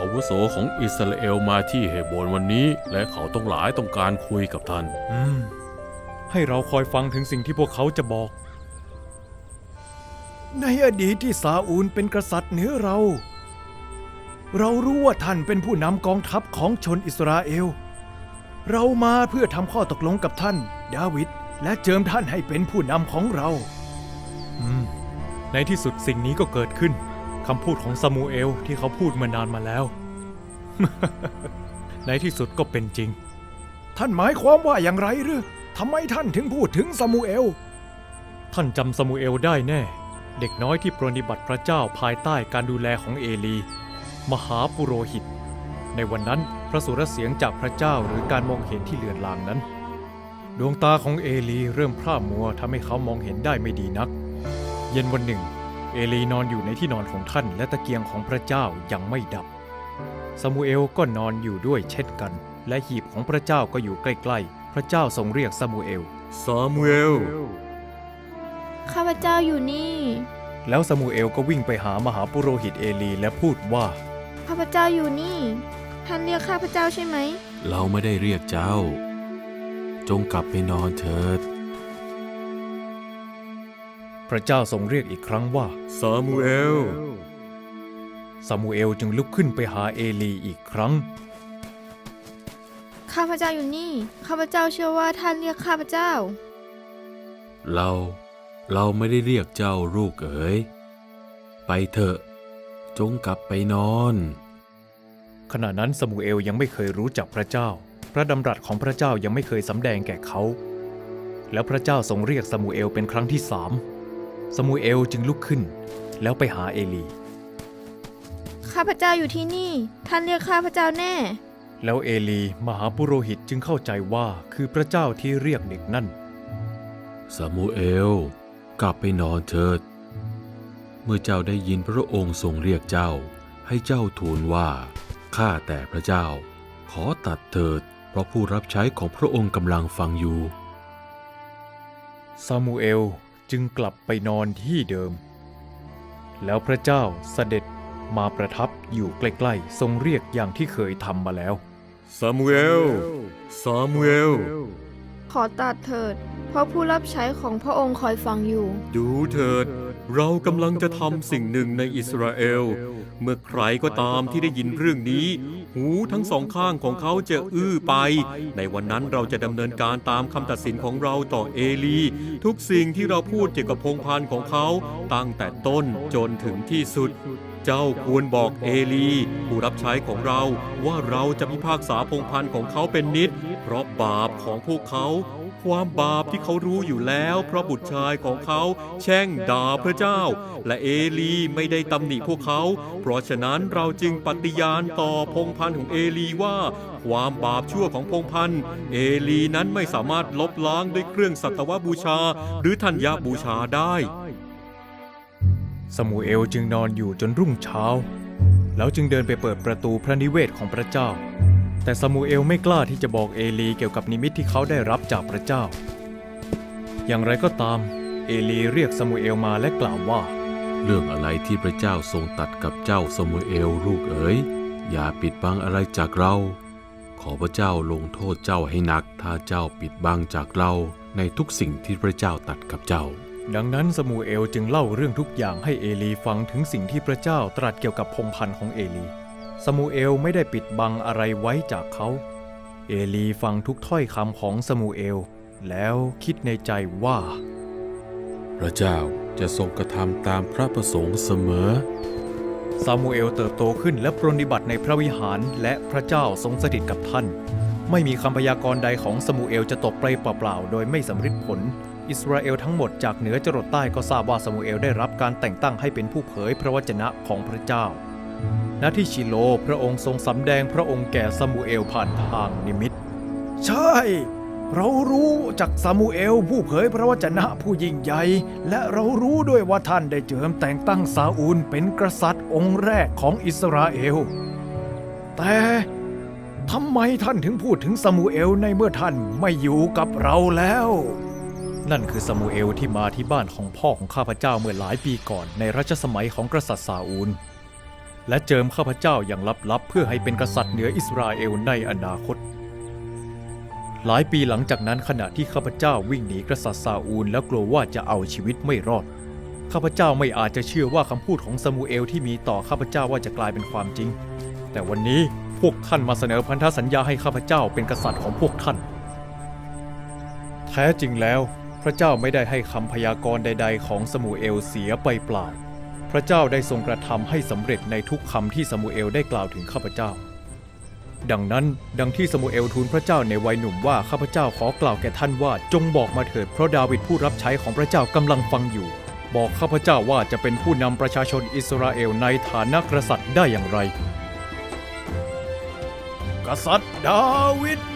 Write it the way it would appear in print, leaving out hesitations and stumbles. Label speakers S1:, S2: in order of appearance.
S1: วุโสของอิสราเอลมาที่เฮโบรวันนี้และเขาต้องหลายต้องการคุยกับท่าน
S2: ให้เราคอยฟังถึงสิ่งที่พวกเขาจะบอก
S3: ในอดีตที่ซาอูลเป็นกษัตริย์เหนือเรารู้ว่าท่านเป็นผู้นำกองทัพของชนอิสราเอลเรามาเพื่อทำข้อตกลงกับท่านดาวิดและเจิมท่านให้เป็นผู้นำของเรา
S2: ในที่สุดสิ่งนี้ก็เกิดขึ้นคำพูดของซามูเอลที่เขาพูดมานานมาแล้ว ในที่สุดก็เป็นจริง
S3: ท่านหมายความว่าอย่างไรหรือทำไมท่านถึงพูดถึงซามูเอล
S2: ท่านจำซามูเอลได้แน่เด็กน้อยที่ปรนนิบัติพระเจ้าภายใต้การดูแลของเอลีมหาปุโรหิตในวันนั้นพระสุรเสียงจากพระเจ้าหรือการมองเห็นที่เลือนลางนั้นดวงตาของเอลีเริ่มพร่ามัวทำให้เขามองเห็นได้ไม่ดีนักเย็นวันหนึ่งเอลีนอนอยู่ในที่นอนของท่านและตะเกียงของพระเจ้ายังไม่ดับซามูเอลก็นอนอยู่ด้วยเช่นกันและหีบของพระเจ้าก็อยู่ใกล้ๆพระเจ้าทรงเรียกซามูเอล
S4: ข้าพเจ้าอยู่นี่
S2: แล้วซามูเอลก็วิ่งไปหามหาปุโรหิตเอลีและพูดว่า
S4: ข้าพเจ้าอยู่นี่ท่านเรียกข้าพเจ้าใช่ไหม
S1: เราไม่ได้เรียกเจ้าจงกลับไปนอนเถิด
S2: พระเจ้าทรงเรียกอีกครั้งว่า
S1: ซามูเอล
S2: จึงลุกขึ้นไปหาเอลีอีกครั้ง
S4: ข้าพเจ้าอยู่นี่ข้าพเจ้าเชื่อว่าท่านเรียกข้าพเจ้า
S1: เราไม่ได้เรียกเจ้าลูกเอ๋ยไปเถอะจงกลับไปนอน
S2: ขณะนั้นซามูเอลยังไม่เคยรู้จักพระเจ้าพระดำรัสของพระเจ้ายังไม่เคยสำแดงแก่เขาแล้วพระเจ้าทรงเรียกซามูเอลเป็นครั้งที่3ซามูเอลจึงลุกขึ้นแล้วไปหาเอลี
S4: ข้าพเจ้าอยู่ที่นี่ท่านเรียกข้าพเจ้าแน่
S2: แล้วเอลีมหาปุโรหิตจึงเข้าใจว่าคือพระเจ้าที่เรียกเด็กนั่น
S1: ซามูเอลกลับไปนอนเถิดเมื่อเจ้าได้ยินพระองค์ทรงเรียกเจ้าให้เจ้าทูลว่าข้าแต่พระเจ้าขอตัดเถิดเพราะผู้รับใช้ของพระองค์กำลังฟังอยู่
S2: ซามูเอลจึงกลับไปนอนที่เดิมแล้วพระเจ้าเสด็จมาประทับอยู่ใกล้ๆทรงเรียกอย่างที่เคยทำมาแล้ว
S1: ซามูเอล
S4: ขอตัดเถิดเพราะผู้รับใช้ของพระองค์คอยฟังอยู่
S1: ดูเถิดเรากำลังจะทำสิ่งหนึ่งในอิสราเอลเมื่อใครก็ตามที่ได้ยินเรื่องนี้หูทั้งสองข้างของเขาจะอื้อไปในวันนั้นเราจะดำเนินการตามคำตัดสินของเราต่อเอลีทุกสิ่งที่เราพูดเกี่ยวกับพงศ์พันธุ์ของเขาตั้งแต่ต้นจนถึงที่สุดเจ้าควรบอกเอลีผู้รับใช้ของเราว่าเราจะพิพากษาพงศ์พันธุ์ของเขาเป็นนิจเพราะบาปของพวกเขาความบาปที่เขารู้อยู่แล้วเพราะบุตรชายของเขาแช่งด่าพระเจ้าและเอลีไม่ได้ตำหนิพวกเขาเพราะฉะนั้นเราจึงปฏิญาณต่อพงศ์พันธุ์ของเอลีว่าความบาปชั่วของพงศ์พันธุ์เอลีนั้นไม่สามารถลบล้างด้วยเครื่องสัตวบูชาหรือธัญญบูชาได้
S2: ซามูเอลจึงนอนอยู่จนรุ่งเช้าแล้วจึงเดินไปเปิดประตูพระนิเวศของพระเจ้าแต่ซามูเอลไม่กล้าที่จะบอกเอลีเกี่ยวกับนิมิตที่เขาได้รับจากพระเจ้าอย่างไรก็ตามเอลีเรียกซามูเอลมาและกล่าวว่า
S1: เรื่องอะไรที่พระเจ้าทรงตัดกับเจ้าซามูเอลลูกเอ๋ยอย่าปิดบังอะไรจากเราขอพระเจ้าลงโทษเจ้าให้หนักถ้าเจ้าปิดบังจากเราในทุกสิ่งที่พระเจ้าตัดกับเจ้า
S2: ดังนั้นซามูเอลจึงเล่าเรื่องทุกอย่างให้เอลีฟังถึงสิ่งที่พระเจ้าตรัสเกี่ยวกับพงศ์พันธุ์ของเอลีซามูเอลไม่ได้ปิดบังอะไรไว้จากเขาเอลีฟังทุกถ้อยคำของซามูเอลแล้วคิดในใจว่า
S1: พระเจ้าจะทรงกระทำตามพระประสงค์เสมอ
S2: ซามูเอลเติบโตขึ้นและปรนนิบัติในพระวิหารและพระเจ้าทรงสถิตกับท่านไม่มีคำพยากรณ์ใดของซามูเอลจะตกไปเปล่าๆโดยไม่สำเร็จผลอิสราเอลทั้งหมดจากเหนือจรดใต้ก็ทราบว่าซามูเอลได้รับการแต่งตั้งให้เป็นผู้เผยพระวจนะของพระเจ้าณที่ชิโลพระองค์ทรงสำแดงพระองค์แก่ซามูเอลผ่านทางนิมิต
S3: ใช่เรารู้จากซามูเอลผู้เผยพระวจนะผู้ยิ่งใหญ่และเรารู้ด้วยว่าท่านได้เจิมแต่งตั้งซาอูลเป็นกษัตริย์องค์แรกของอิสราเอลแต่ทำไมท่านถึงพูดถึงซามูเอลในเมื่อท่านไม่อยู่กับเราแล้ว
S2: นั่นคือซามูเอลที่มาที่บ้านของพ่อของข้าพเจ้าเมื่อหลายปีก่อนในรัชสมัยของกษัตริย์ซาอูลและเจิมข้าพเจ้าอย่างลับๆเพื่อให้เป็นกษัตริย์เหนืออิสราเอลในอนาคตหลายปีหลังจากนั้นขณะที่ข้าพเจ้าวิ่งหนีกษัตริย์ซาอูลแล้วกลัวว่าจะเอาชีวิตไม่รอดข้าพเจ้าไม่อาจจะเชื่อว่าคำพูดของซามูเอลที่มีต่อข้าพเจ้าว่าจะกลายเป็นความจริงแต่วันนี้พวกท่านมาเสนอพันธสัญญาให้ข้าพเจ้าเป็นกษัตริย์ของพวกท่านแท้จริงแล้วพระเจ้าไม่ได้ให้คำพยากรณ์ใดๆของซามูเอลเสียไปเปล่าพระเจ้าได้ทรงกระทำให้สำเร็จในทุกคำที่ซามูเอลได้กล่าวถึงข้าพเจ้าดังนั้นดังที่ซามูเอลทูลพระเจ้าในวัยหนุ่มว่าข้าพเจ้าขอกล่าวแก่ท่านว่าจงบอกมาเถิดเพราะดาวิดผู้รับใช้ของพระเจ้ากำลังฟังอยู่บอกข้าพเจ้าว่าจะเป็นผู้นำประชาชนอิสราเอลในฐานะกษัตริย์ได้อย่างไร
S3: กษัตริย์ดาวิด